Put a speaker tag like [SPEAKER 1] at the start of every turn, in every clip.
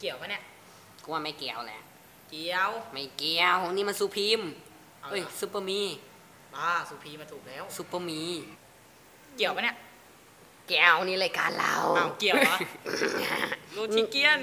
[SPEAKER 1] กี่ยวปะเนี่ย
[SPEAKER 2] กูว่าไม่เกี่ยวแหละ
[SPEAKER 1] เกี่ยว
[SPEAKER 2] ไม่เกี่ยวนี่มันซูพีมเอ้ยซูเปอร์มี
[SPEAKER 1] สุพีมาถูกแล้ว
[SPEAKER 2] ซูเปอร์มี
[SPEAKER 1] เกี่ยวปะเนี่ย
[SPEAKER 2] เกี่ยวนี่รายการเรา
[SPEAKER 1] เกี่ยวเหรอโรชิเกียน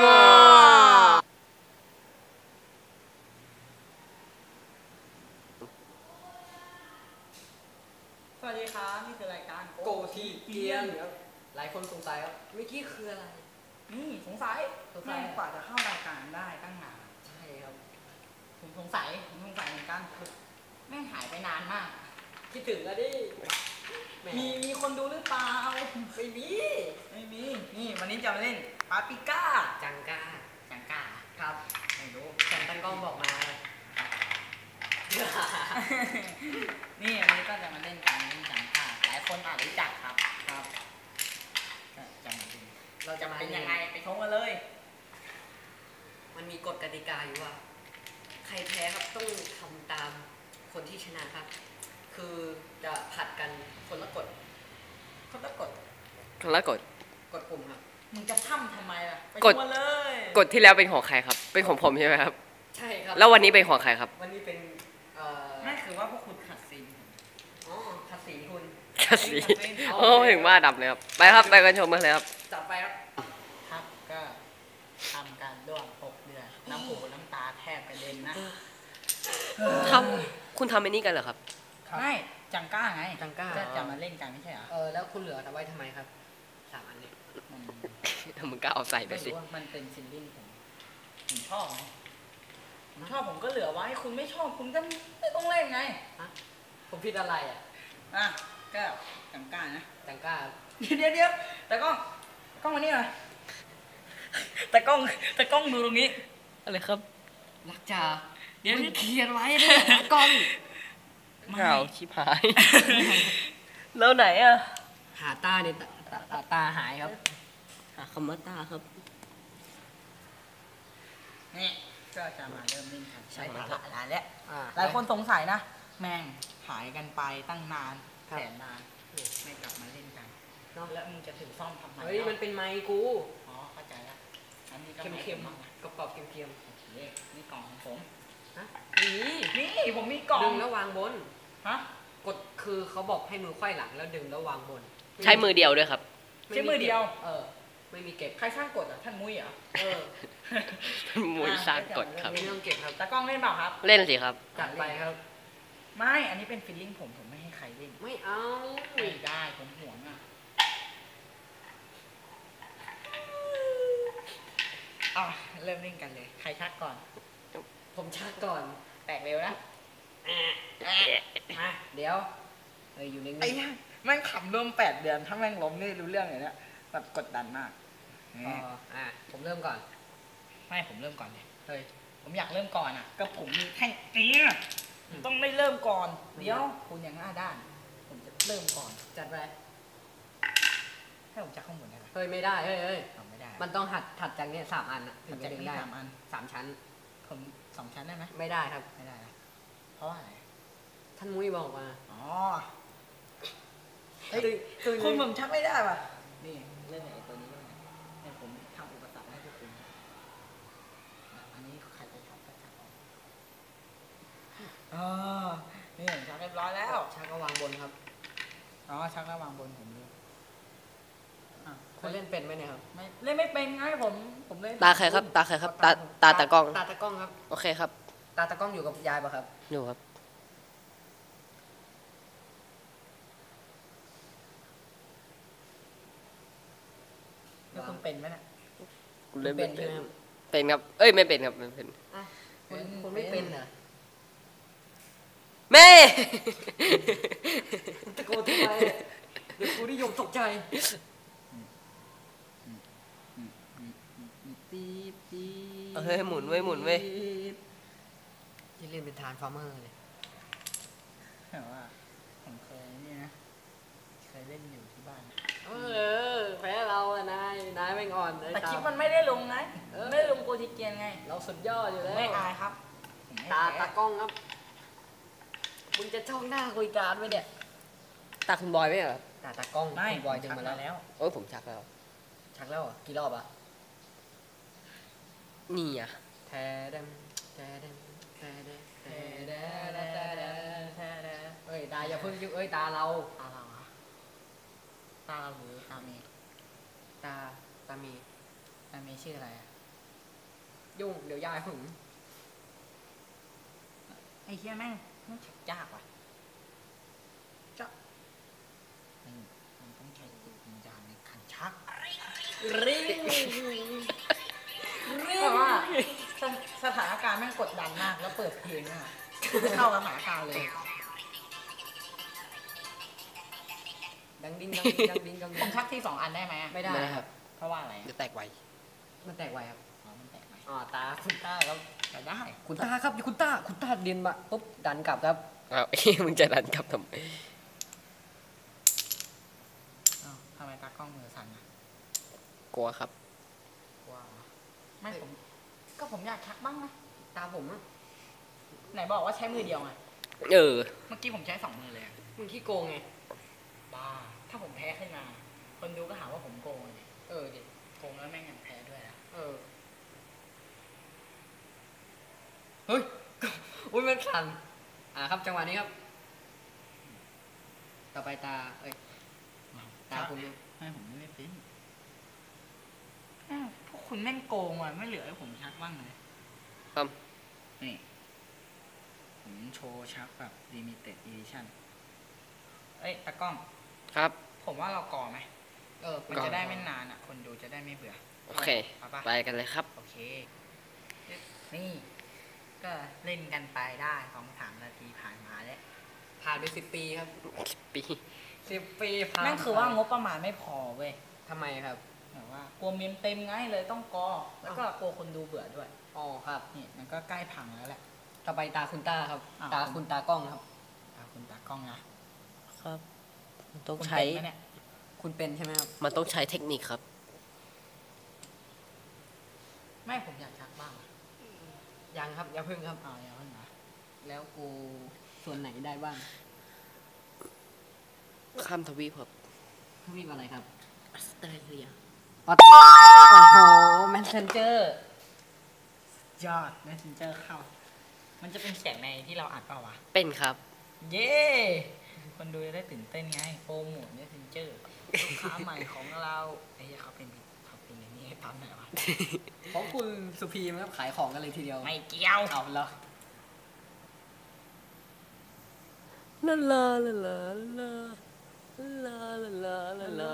[SPEAKER 1] สวัสดีครับนี่คือรายการ
[SPEAKER 2] โกทีเกียนครับหลายคนสงสัยครับเมื่อกี้คืออะไร
[SPEAKER 1] นี่สงสัยแม่กว่าจะเข้ารายการได้ตั้งนาน
[SPEAKER 2] ใช่ครับ
[SPEAKER 1] ผมสงสัยเหมือนกันแม่งหายไปนานมาก
[SPEAKER 2] คิดถึงแล้วดิ
[SPEAKER 1] มีคนดูหรือเปล่า
[SPEAKER 2] ไม่มี
[SPEAKER 1] นี่วันนี้จะมาเล่นปาปิก้า
[SPEAKER 2] จังก้า
[SPEAKER 1] ครับไม่รู้
[SPEAKER 2] แต่ตั้งกล้องบอกมา
[SPEAKER 1] นี่วันนี้ก็จะมาเล่นจังก้าหลายคนอาจรู้จักครับจะมาดูเราจะเป็นยังไงไปชมกันเลย
[SPEAKER 2] มันมีกฎกติกาอยู่ว่าใครแพ้ครับต้องทำตามคนที่ชนะครับคือจะผัดกันคนละกฎ
[SPEAKER 1] กด
[SPEAKER 2] กฎกลุ่มครับ
[SPEAKER 1] มึงจะทำไมล่ะไปชมเลย
[SPEAKER 3] กฎที่แล้วเป็นของใครครับเป็นของผมใช่ไหมครับ
[SPEAKER 2] ใช่ครับ
[SPEAKER 3] แล้ววันนี้เป็นของใครครับ
[SPEAKER 2] วันนี้เป็น
[SPEAKER 1] ไม่คือว่าพวกคุณขัดสี
[SPEAKER 2] ขัดสีคุณ
[SPEAKER 3] ขัดสีโอ้ถึงว่าดับเลยครับไปครับไปกันชมกันเลยครับ
[SPEAKER 2] จับไปครับ
[SPEAKER 1] ก็ทำการด้วง6 เดือนน้ำหูน้ำตาแทบกระเด็นนะ
[SPEAKER 3] คุณทำไอ้นี่กันเหรอครับ
[SPEAKER 1] ไม่จังก้าไงจะมาเล่นกันไม่ใช่เหรอ
[SPEAKER 2] แล้วคุณเหลือไว้ทำไมครับ3 อันนี้
[SPEAKER 3] มึงก็เอาใส่ไปสิ
[SPEAKER 1] มันเป็นซิลลิ่งผมชอบผมก็เหลือไว้คุณไม่ชอบคุณก็ไม่ต้องเล่นไง
[SPEAKER 2] ผมผิดอะไร
[SPEAKER 1] ก็จังก้านะ
[SPEAKER 2] จังก้า
[SPEAKER 1] เดี๋ยวแต่กล้องมานี่หน่อยแต่กล้องดูตรงนี้
[SPEAKER 3] อะไรครับ
[SPEAKER 2] รักจ่าเดี๋ยวเขียนไว้เลยกล้อง
[SPEAKER 3] ข่าวชิบหายแล้วไหนอะ
[SPEAKER 2] หาตาเนี่ยตาหายครับหาคำว่าตาครับ
[SPEAKER 1] นี่ก็จะมาเริ่มเล่นกันใช้ภาษาแล้วหลายคนสงสัยนะแม่งหายกันไปตั้งนานแสนนานไม่กลับมาเล่นกันแล้วมึงจะถือซ่อมทำไม
[SPEAKER 2] เฮ้ยมันเป็นไมค์กู
[SPEAKER 1] เข้าใจแล้วอันนี้ก็
[SPEAKER 2] เค็มๆกรอบๆเค็ม
[SPEAKER 1] ๆโอเคนี่กล่องของผม
[SPEAKER 2] นี่
[SPEAKER 1] ผมมีกล่อง
[SPEAKER 2] ดึงแล้ววางบนกดคือเขาบอกให้มือไขว้หลังแล้วดึงแล้ววางบน
[SPEAKER 3] ใช้มือเดียวด้วยครับ
[SPEAKER 1] ใช้มือเดียว
[SPEAKER 2] ไม่มีเก็บ
[SPEAKER 1] ใครสร้างกฎท่านมุ้ยเหรอ
[SPEAKER 3] ท่านมุ้ยสร้างกฎครับ
[SPEAKER 2] ไม่ต้องเก็บครับ
[SPEAKER 1] ตากล้องเล่นเปล่าครับ
[SPEAKER 3] เล่นสิครับ
[SPEAKER 2] จัดไปครับ
[SPEAKER 1] ไม่อันนี้เป็นฟีลลิ่งผมไม่ให้ใครเล่น
[SPEAKER 2] ไม่เอา
[SPEAKER 1] ไม่ได้ผมห่วงเริ่มเล่นกันเลยใครชักก่อน
[SPEAKER 2] ผมชักก่อน
[SPEAKER 1] แตกเร็วนะ
[SPEAKER 2] มาเดี๋ยวอยู่นิ่ง
[SPEAKER 1] ๆแม่งขำรวม8 เดือนถ้าแม่งล้มนี่รู้เรื่องเลยเนี่ยแบบกดดันมาก
[SPEAKER 2] ผมเริ่มก่อน
[SPEAKER 1] ไม่ผมเริ่มก่อนเลยผมอยากเริ่มก่อนก็ผมมีแท่งต้องไม่เริ่มก่อนเดี๋ยวคุณอย่างหน้าด้านผมจะเริ่มก่อน
[SPEAKER 2] จัดไป
[SPEAKER 1] ให้ผมจักข้างบนได้ไหม
[SPEAKER 2] ไม่ได้
[SPEAKER 1] ไม่ได้
[SPEAKER 2] มันต้องถัดจากนี้3 อัน
[SPEAKER 1] ถึงจะเล่นได้
[SPEAKER 2] 3 ชั้น
[SPEAKER 1] ผม2 ชั้นได้ไหม
[SPEAKER 2] ไม่ได้ครับ
[SPEAKER 1] ไม่ได้เพราะอะไร
[SPEAKER 2] ท่านมุ้ยบอกมา
[SPEAKER 1] คุณผมชักไม่ได้ป่ะนี่เรื่องไหนตัวนี้เนี่ยผมทำอุปสรรคให้พวกคุณอันนี้ใครจะชักก็ชักออกนี่ชักเรียบร้อยแล้ว
[SPEAKER 2] ชักก็วางบนครับ
[SPEAKER 1] ชักแล้ววางบนผมเลย
[SPEAKER 2] คุณเล่นเป็นไหมเนี่ยครับ
[SPEAKER 1] ไม่เล่นไม่เป็นไงผมเล่น
[SPEAKER 3] ตาใครครับตากล้อง
[SPEAKER 2] ตากล้องครับ
[SPEAKER 3] โอเคครับ
[SPEAKER 2] ตากล้องอยู่กับยายป่ะครับ
[SPEAKER 3] อยู่ครับ
[SPEAKER 1] แล้วคุณเป็นไหมเนี่ย
[SPEAKER 3] คุณเล่นเป็นเป็นครับไม่เป็นครับไม่เป็น
[SPEAKER 2] คุณไม่เป็นเหรอ
[SPEAKER 3] แม่
[SPEAKER 2] ตะโกนทำไมเดี๋ยวกูนิยมตกใจ
[SPEAKER 3] หมุนไว้
[SPEAKER 2] ที่เล่นเป็นทานฟาร์เมอร์เลย
[SPEAKER 1] แต่ว่าผมเคยนี่นะเคยเล่นอยู่ที่บ้าน
[SPEAKER 2] แพ้เราอะนายไม่งอน
[SPEAKER 1] แต่คลิปมันไม่ได้ลงไงไม่ได้ลงโกธิเกียนไง
[SPEAKER 2] เราสุดยอดอยู่แล้ว
[SPEAKER 1] ไม่อายครับ
[SPEAKER 2] ตากล้องครับมึงจะช่องหน้าคุยการไหมเนี่ย
[SPEAKER 3] ตาคุณบอยไหมเหรอ
[SPEAKER 2] ตากล้องคุณบอยดึงมาแล้ว
[SPEAKER 3] ผมชักแล้ว
[SPEAKER 2] กี่รอบ
[SPEAKER 3] นี่อ่ะ
[SPEAKER 2] แทดมแทดมแทดมแทดมแทดมแทดมเอ้ยตาอย่าเพิ่งยุ่งเอ้ยตาเรา
[SPEAKER 1] ตาเราอะตาเราหรือตาเมย์
[SPEAKER 2] ตาตามี
[SPEAKER 1] ตาเมย์ชื่ออะไรอะ
[SPEAKER 2] ยุ่งเดี๋ยวยายหึง
[SPEAKER 1] ไอ้เหี้ยแม่งมันชักยากว่ะจะนี่มันต้องใช้จิตวิญญาณในการชัก
[SPEAKER 2] ริง
[SPEAKER 1] เพราะว่าสถานการณ์แม่งกดดันมากแล้วเปิดเพลงอ่ะเข้ากับสถานการณ์เลย
[SPEAKER 2] ดังดิ้งดังดิ้งดังดิ้งดัง
[SPEAKER 1] ผ
[SPEAKER 2] ดิ้
[SPEAKER 1] ม
[SPEAKER 2] ง
[SPEAKER 1] ชักที่2 อันได้ไหมอะ
[SPEAKER 2] ไม่ได้
[SPEAKER 3] ไม่ได้
[SPEAKER 2] ค
[SPEAKER 3] ค
[SPEAKER 2] รั
[SPEAKER 3] รับ บ
[SPEAKER 1] เพราะว่าอะไร
[SPEAKER 3] จะแตกไว
[SPEAKER 2] มันแตกไวครับ
[SPEAKER 1] อ๋อมันแตกไหม
[SPEAKER 2] อ๋อตาคุณตาครับ
[SPEAKER 1] แต่ได้
[SPEAKER 2] คุณตาครับคุณตาเรียนมาปุ๊บดันกลับครับ
[SPEAKER 3] อ้าว มึงจะดันกลับทำไม
[SPEAKER 1] อ้าวทำไมตากล้องมือสั่นอ่ะ
[SPEAKER 3] กลัวครับ
[SPEAKER 1] กลัวเหรอไม่ผมก็ผมอยากชักบ้างนะ
[SPEAKER 2] ตาผมอะ
[SPEAKER 1] ไหนบอกว่าใช้มือเดียวไง
[SPEAKER 3] เออ
[SPEAKER 1] เมื่อกี้ผมใช้2 มือเลยอะ
[SPEAKER 2] มึงขี้โกงไง
[SPEAKER 1] บ้าถ้าผมแพ้ขึ้นมา คนดูก็หาว่าผมโกงเลย
[SPEAKER 2] เออดิ
[SPEAKER 1] โกงแล้วแม่งยังแพ้ด้วยนะ
[SPEAKER 2] เออเฮ้ยอุ้ยมันสั่นครับจังหวะนี้ครับ ต่อไปตาเอ้ยตาคุณเนี่ย
[SPEAKER 1] ไม่ผมไม่เป็นอ้าวพวกคุณแม่งโกงอ่ะไม่เหลือให้ผมชักบ้างเลย
[SPEAKER 3] ครับ
[SPEAKER 1] นี่ผมโชว์ชักแบบ limited edition เอ้ยตากล้อง
[SPEAKER 3] ครับ
[SPEAKER 1] ผมว่าเราก่อไหม มัน
[SPEAKER 3] ก่อ
[SPEAKER 1] จะได้ไม่นานอ่ะ คนดูจะได้ไม่เบื่อ
[SPEAKER 3] โอเค
[SPEAKER 1] เอาปะ
[SPEAKER 3] ไปกันเลยครับ
[SPEAKER 1] โอเค นี่ ก็เล่นกันไปได้2-3 นาทีผ่านมาแล้ว
[SPEAKER 2] ผ่านไป10 ปีครับ
[SPEAKER 3] ปี
[SPEAKER 2] 10 ปีผ่าน
[SPEAKER 1] นั่นคือว่างบประมาณไม่พอเว้ย
[SPEAKER 2] ทำไมครับ
[SPEAKER 1] แบบว่ากลัวเมมเต็มไงเลยต้องกอ แล้วก็กลัวคนดูเบื่อด้วย
[SPEAKER 2] อ๋อครับ
[SPEAKER 1] นี่มันก็ใกล้พังแล้วแหละ
[SPEAKER 2] ต่อไปตาคุณตาครับ
[SPEAKER 1] อ้าว
[SPEAKER 2] ตาคุณตากล้องครับ
[SPEAKER 1] คุณตากล้องนะครับ
[SPEAKER 3] ต้อง
[SPEAKER 1] คุณ
[SPEAKER 3] ใช้
[SPEAKER 1] เป็นไหมเนี่ย
[SPEAKER 2] คุณเป็นใช่ไหมครับ
[SPEAKER 3] มันต้องใช้เทคนิคครับ
[SPEAKER 1] ไม่ผมอยากชักบ้างอะ
[SPEAKER 2] ยังครับอย่าพึ่งครับ
[SPEAKER 1] เอาอย่าเพิ่งนะ
[SPEAKER 2] แล้วกูส่วนไหนได้บ้าง
[SPEAKER 3] ข้ามทวีปครับ
[SPEAKER 2] ทวีปอะไรครับ
[SPEAKER 1] ออสเตรเลีย
[SPEAKER 2] โอ้โหแมสเซนเจอร์
[SPEAKER 1] ยอด Messenger เข้า มันจะเป็นเสียงในที่เราอัดเปล่าวะ
[SPEAKER 3] เป็นครับ
[SPEAKER 1] เย้ คนดูจะได้ตื่นเต้นไง โปรโมท Messenger ลูกค้าใหม่ของเราไอ้เหี้ยเขาเป็นอย่างนี้ให้ปั๊มหน่อยวะ
[SPEAKER 2] เพราะคุณสุพีมครับขายของกันเลยทีเดียว
[SPEAKER 1] ไม่เกี่ยว
[SPEAKER 2] เอาแล้ว
[SPEAKER 3] ลาลาลาลาลาลาลาลาลาลาลาลาลาลาลาลาลา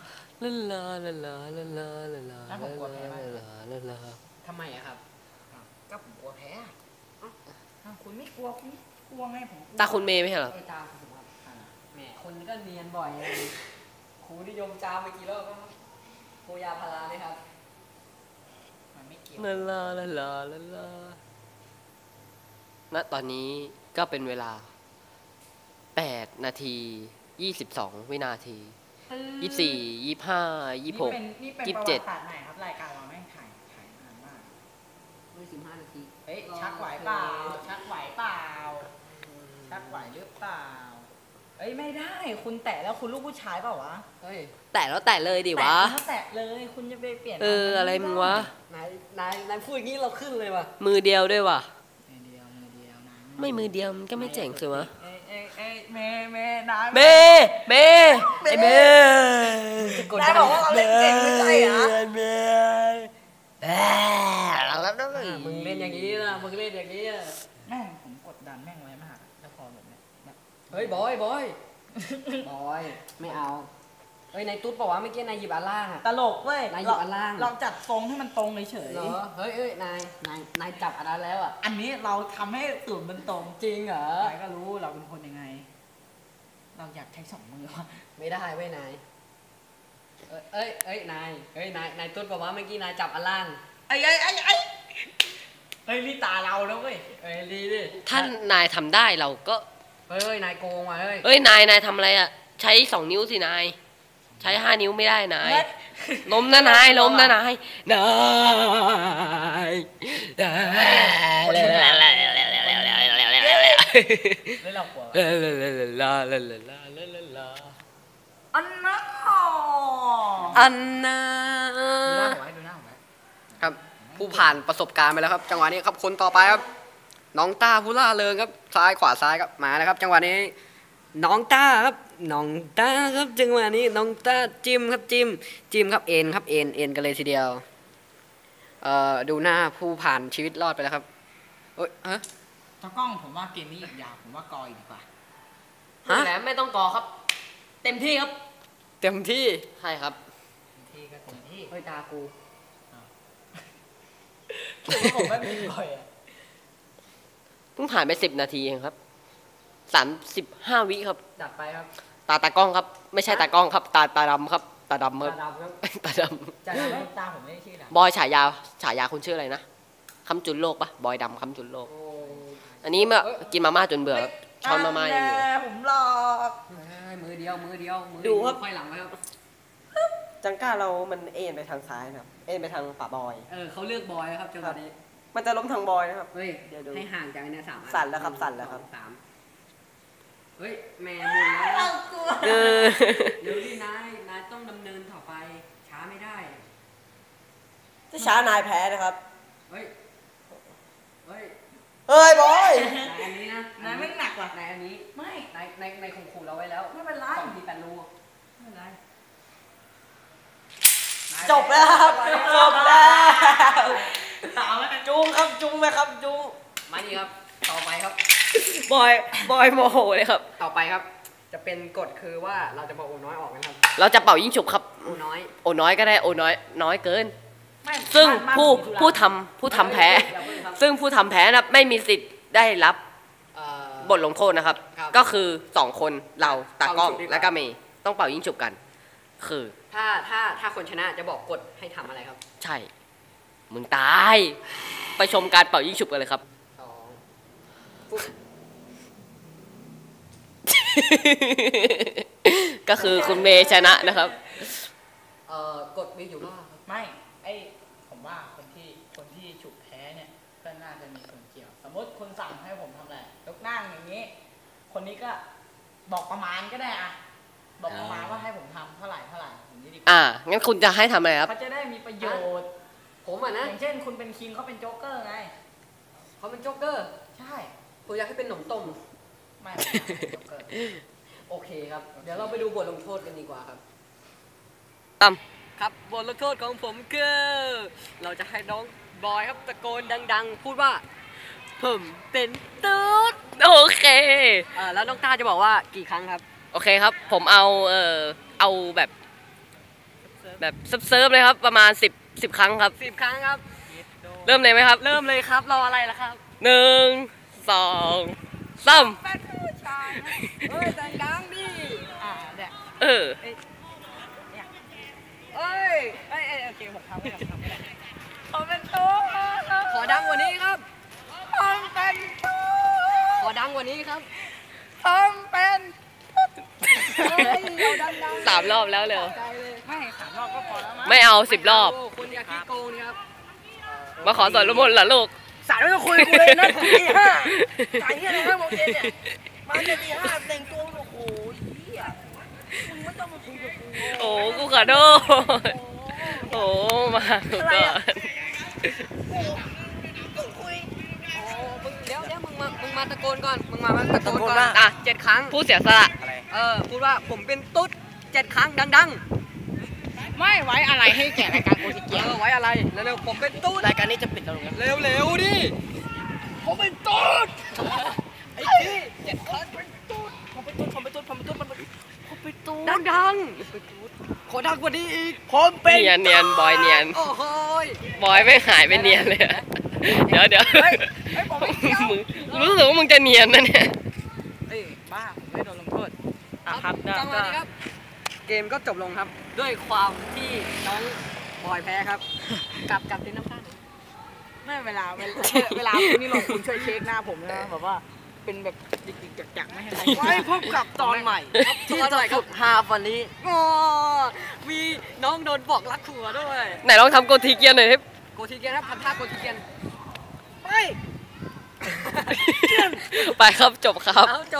[SPEAKER 3] ลาลา
[SPEAKER 2] ทำไมอะครับ
[SPEAKER 1] ก็ผมกลัวแพ้อะอ้าวคุณไม่กลัวคุณไม่กลัวไงผมกลัว
[SPEAKER 3] ตาคุณเมย์ไม่ใช่เหรอ
[SPEAKER 2] เอ้ยตาคุณครับแหมคนก็เนียนบ่อยครูนิยมจามไปกี่รอบแล้วครับครูยาพาราเลยครับ
[SPEAKER 1] มันไม่เกี่ยว
[SPEAKER 3] ลาลาลาลาลาลาณตอนนี้ก็เป็นเวลา8 นาที 22 วินาที 24 25 26
[SPEAKER 1] นี่เป็น
[SPEAKER 3] 27
[SPEAKER 1] ประวัติศาสตร์ใหม่ครับรายการเราแม่งถ่ายนานมาก
[SPEAKER 2] ด้วย15 นาที
[SPEAKER 1] เฮ้ยชักไหวเปล่า ชักไหวเปล่า ชักไหวหรือเปล่า เอ้ยไม่ได้คุณแตะแล้วคุณลูกผู้ชายเปล่าวะ
[SPEAKER 2] เฮ้ย
[SPEAKER 3] แตะแล้วแตะเลยดิวะ
[SPEAKER 1] แตะแตะเลยคุณจะไปเปลี่ยน
[SPEAKER 3] อะไรมึงวะ
[SPEAKER 2] นายพูดอย่างนี้เราขึ้นเลยว่ะ
[SPEAKER 3] มือเดียวด้วยวะ
[SPEAKER 1] มือเดียวนะ
[SPEAKER 3] ไม่มือเดียวมันก็ไม่เจ๋งสิวะ
[SPEAKER 1] เอ้ยเมนะ
[SPEAKER 3] เมเมไอเม
[SPEAKER 1] นายบอกว่าเราเล่นเก่งไม่ใช่เหรอ
[SPEAKER 3] เมแล้วด้วย
[SPEAKER 2] มึงเล่นอย่างนี้นะมึงเล่นอย่างนี้อะ
[SPEAKER 1] แม่งผมกดดันแม่งไว้มากแล้วพอแบบเนี้ยแบบ
[SPEAKER 2] เฮ้ยบอยบอย ไม่เอาเฮ้ยนายตุ๊ดบอกว่าเมื่อกี้นายหยิบอันล่างอะ
[SPEAKER 1] ตลกเว้ย
[SPEAKER 2] นายหยิบอันล่าง
[SPEAKER 1] เราจัดทรงให้มันตรงเฉย
[SPEAKER 2] เหรอเฮ้ยนายจับอันนั้นแล้วอะ
[SPEAKER 1] อันนี้เราทำให้สูตรมันตรง
[SPEAKER 2] จริงเหรอ
[SPEAKER 1] นายก็รู้เราเป็นคนยังไง เราอยากใช้2 มือวะ
[SPEAKER 2] ไม่ได้เว้ยนายนายตุ๊ดบอกว่าเมื่อกี้นายจับอันล่าง
[SPEAKER 1] เฮ้ยนี่ตาเราแล้วเว้ย
[SPEAKER 2] เฮ้ยดีดิ
[SPEAKER 3] ท่านนายทำได้เราก็
[SPEAKER 2] เฮ้ยนายโกงว่ะเฮ้ย
[SPEAKER 3] เอ้ยนายทำอะไรอ่ะ ใช้2 นิ้วสินาย ใช้5 นิ้วไม่ได้นาย ล้มนะนายล้มนะนายนาย
[SPEAKER 1] แล้วเรากลัว อันนั้น
[SPEAKER 3] อันน่า
[SPEAKER 1] ดูหน้าผมไว้
[SPEAKER 3] ครับ
[SPEAKER 1] ดูหน้าผมไว้
[SPEAKER 2] ผู้ผ่านประสบการณ์ไปแล้วครับ จังหวะนี้ครับคนต่อไปครับ น้องต้าผู้ล่าเริงครับซ้ายขวาซ้ายครับมาแล้วครับ จังหวะนี้ น้องต้าครับน้องต้าครับจังหวะนี้น้องต้าจิ้มครับจิ้มครับเอ็นครับเอ็นกันเลยทีเดียวดูหน้าผู้ผ่านชีวิตรอดไปแล้วครับเอ้ยฮะ
[SPEAKER 1] ตากล้องผมว่าเกมนี้อีกยาวผมว่ากออีกดีกว่า
[SPEAKER 3] ฮะไม่ต้องกอครับ
[SPEAKER 1] เต็มที่ครับ
[SPEAKER 2] เต็มที่
[SPEAKER 3] ใช่ครับ
[SPEAKER 1] เต็มที่ก็เต็มที่
[SPEAKER 2] เฮ้ยตากู
[SPEAKER 1] คือว่าผมไม่มีกอยอ่ะ
[SPEAKER 3] เพิ่งผ่านไป10 นาทีเองครับ35 วิครับ
[SPEAKER 2] จัดไปครับ
[SPEAKER 3] ตากล้องครับ ไม่ใช่ตากล้องครับ ตาดำครับ ตาดำครับ
[SPEAKER 2] ตาดำครับ
[SPEAKER 3] ตาด
[SPEAKER 1] จะทำให้ตาผมไม่ได้ชื่อด
[SPEAKER 3] ำบอยฉายาคุณชื่ออะไรนะคำจุนโลกปะบอยดำคำจุนโลก อันนี้เมื่อกินมาม่าจนเบื่อครับช้อนมาม่าอย่างเดียว
[SPEAKER 1] ผมหลอก
[SPEAKER 2] มือเดียว
[SPEAKER 3] ดูครับ
[SPEAKER 2] ค่อยหลังไว้ครับ
[SPEAKER 3] จังก้าเรามันเอ็นไปทางซ้ายนะครับ เอ็นไปทางป่าบอย
[SPEAKER 2] เขาเลือกบอยครับจังหวะนี้
[SPEAKER 3] มันจะล้มทางบอยนะครับ
[SPEAKER 2] เฮ้ย
[SPEAKER 3] เดี๋ยวดู
[SPEAKER 2] ให้ห่างจากไอ้เนี่ย3 อัน
[SPEAKER 3] สั่นแล้วครับสั่นแล้วครับ
[SPEAKER 2] สามเฮ้ยแม่มุนแล้ว
[SPEAKER 1] เรากลัว
[SPEAKER 3] เออ
[SPEAKER 2] เดี๋ยวดินายต้องดำเนินต่อไปช้าไม่ได้
[SPEAKER 3] ถ้าช้านายแพ้นะครับ
[SPEAKER 2] เฮ้ย
[SPEAKER 3] เฮ้ยบอย
[SPEAKER 2] นายอันนี้นะ
[SPEAKER 1] นายไม่หนักว่ะ
[SPEAKER 2] นายอันนี้
[SPEAKER 1] ไม่
[SPEAKER 2] นายข่มขู่เราไว้แล้ว
[SPEAKER 1] ไม่เป็นไร
[SPEAKER 2] 2 ที 8 รู
[SPEAKER 1] ไม่เป็นไร
[SPEAKER 3] จบแล้วครับจบแล้ว
[SPEAKER 1] ตามแล้วกัน
[SPEAKER 3] จุงครับจุงไหมครับจุง
[SPEAKER 2] มานี่ครับ ต่อไปครับ
[SPEAKER 3] บอยโมโหเลยครับ
[SPEAKER 2] ต่อไปครับ จะเป็นกฎคือว่าเราจะบอกโอน้อยออกนะครับ
[SPEAKER 3] เราจะเป่ายิ่งฉุบครับ
[SPEAKER 2] โอน้อย
[SPEAKER 3] โอน้อยก็ได้โอน้อยเกิน
[SPEAKER 1] ไม่
[SPEAKER 3] ซึ่ง
[SPEAKER 1] บ้าน
[SPEAKER 3] ผู้ทำแพ้
[SPEAKER 2] อย่าเพิ่งครับ
[SPEAKER 3] ซึ่งผู้ทำแพ้นะไม่มีสิทธิ์ได้รับ
[SPEAKER 2] เอ่อบ
[SPEAKER 3] ทลงโทษนะครับ
[SPEAKER 2] ครับ
[SPEAKER 3] ก็คือ2 คนเราตากล้อง
[SPEAKER 2] เป่ายิงฉุบดีกว่า
[SPEAKER 3] และก็เมย์ต้องเป่ายิ่งฉุบกัน คือ
[SPEAKER 2] ถ้าคนชนะจะบอกกฎให้ทำอะไรครับ
[SPEAKER 3] ใช่ มึงตาย ไปชมการเป่ายิ่งฉุบกันเลยครับ
[SPEAKER 2] 2ปุ๊บ
[SPEAKER 3] ก็คือคุณเมย์ชนะนะครับ
[SPEAKER 2] กฎมีอยู่ว่าครับ
[SPEAKER 1] ไม่ไอผมว่าคนที่ฉุกแพ้เนี่ยก็น่าจะมีส่วนเกี่ยว สมมติคุณสั่งให้ผมทำอะไรยกนั่งอย่างนี้ คนนี้ก็บอกประมาณก็ได้อะบอกประมาณว่าให้ผมทำเท่าไหร่อย่างนี้ดีกว่า
[SPEAKER 3] งั้นคุณจะให้ทำอะไรครับ
[SPEAKER 1] เขาจะได้มีประโยชน์
[SPEAKER 2] ผมอ่ะ
[SPEAKER 1] อ
[SPEAKER 2] นะ
[SPEAKER 1] ย่างเช่นคุณเป็นคิงเขาเป็นโจ๊กเกอร์ไง
[SPEAKER 2] เขาเป็นโจ๊กเกอร์
[SPEAKER 1] ใช่
[SPEAKER 2] ผมอยากให้เป็นหนมต้ม
[SPEAKER 1] ไม่ผมอยากเป็นโจ๊กเกอร์
[SPEAKER 2] โอเคครับ เดี๋ยวเราไปดูบทลงโทษกันดีกว่าครับ
[SPEAKER 3] ตั้ม
[SPEAKER 2] ครับบทลงโทษของผมคือ เราจะให้น้องบอยครับตะโกนดัง ๆ พูดว่าผมเป็นตุ๊ด
[SPEAKER 3] โอเค
[SPEAKER 2] แล้วน้องต้าจะบอกว่ากี่ครั้งครับ
[SPEAKER 3] โอเคครับ ผมเอาแบบเซิร์ฟเลยครับ ประมาณ10 ครั้งครับ
[SPEAKER 2] 10 ครั้งครับ
[SPEAKER 3] เริ่มเลยไหมครับ
[SPEAKER 2] เริ่มเลยครับ รออะไรล่ะครับ
[SPEAKER 3] 1 2 3
[SPEAKER 2] เป็นผู้ชายนะเฮ้ยดังๆดิ
[SPEAKER 1] เนี่ย
[SPEAKER 3] เออ
[SPEAKER 2] เอ้ย
[SPEAKER 1] โอเคผมทำไม่ได้ผมเป็นตัว
[SPEAKER 2] ขอดังกว่านี้ครับ
[SPEAKER 1] ผมเป็นตัว
[SPEAKER 2] ขอดังกว่านี้ครับ
[SPEAKER 1] ผมเป็น
[SPEAKER 2] เฮ้ยเอาดังๆ
[SPEAKER 3] 3 รอบแล้วเร็ว
[SPEAKER 2] ใจเลย
[SPEAKER 1] ไม่3 รอบก็พอแล้วมั้ง
[SPEAKER 3] ไม่เอา10 รอบ
[SPEAKER 2] คุณอย่าขี้โกงนี่ครับ
[SPEAKER 3] มาขอสอนละมนต์เหรอลูก
[SPEAKER 1] สารไม่ต้องคุยกับกูเลยนะตี 5ไก่เนี่ยนะบอกเย็นเนี่ยมาเนี่ยตี 5แต่งตัวโอ้โหเหี้ยมึงไม่ต้องมาคุยกับกู
[SPEAKER 3] โอ้กูขอโทษโอ้มากูก่อน
[SPEAKER 1] ต้องคุย
[SPEAKER 2] โอ้มึงเดี๋ยวมึงมาตะโกนก่อน มึงมาตะโกนก่อน
[SPEAKER 3] อ่ะ
[SPEAKER 2] 7 ครั้ง
[SPEAKER 3] ผู้เสียสละ
[SPEAKER 2] พูดว่าผมเป็นตุ๊ด7 ครั้งดัง
[SPEAKER 1] ไม่ไว้อะไรให้แก่รายการโอที
[SPEAKER 2] ๆ
[SPEAKER 1] เกีย
[SPEAKER 2] ไว้อะไรเร็วๆผมเป็นตุ๊ด
[SPEAKER 3] รายการนี้จะปิดแล้วครับ
[SPEAKER 2] เร็วๆดิ
[SPEAKER 1] ผมเป็นตุ๊ด
[SPEAKER 2] ไอ้ที่7 ครั้งเป็นตุ๊ด
[SPEAKER 1] ผมเป็นตุ๊ดผมเป็นตุ๊ดผมเป็นตุ๊ดผมเป็นตุ๊ด
[SPEAKER 2] ดังๆขอดังกว่านี้อีก
[SPEAKER 1] ผมเป็น
[SPEAKER 3] เนียนบอยเนียน
[SPEAKER 2] โอ้โหย
[SPEAKER 3] บอยไม่หายไปเนียนเลยอะเดี๋ยว
[SPEAKER 1] เฮ้ยผมไม่เกี่ยว
[SPEAKER 3] มึงรู้สึกว่ามึงจะเนียนนะเนี่ย
[SPEAKER 1] เฮ้ยบ้าผมไม่โดนลงโทษอ่ะครับ
[SPEAKER 2] จังหวะนี้ครับ เกมก็จบลงครับ ด้วยความที่น้องบอยแพ้ครับ กลับที่น้ำตาล
[SPEAKER 1] ไม่เวลาคุณนี่ลงคุณช่วยเช็คหน้าผมนะแบบว่าเป็นแบบจิกๆจักๆไม่ให้ใครไว้พบกับตอนใหม่ที่จะสุดฮาวันนี้
[SPEAKER 2] โอ้มีน้องโดนบอกรักขัวด้วย
[SPEAKER 3] ไหนลองทำโกทีเกียร์หน่อยครับ
[SPEAKER 2] โกทีเกียนครับทำท่าโกทีเกียน
[SPEAKER 1] ไป
[SPEAKER 3] ไปครับจบครับ
[SPEAKER 2] เอาจบ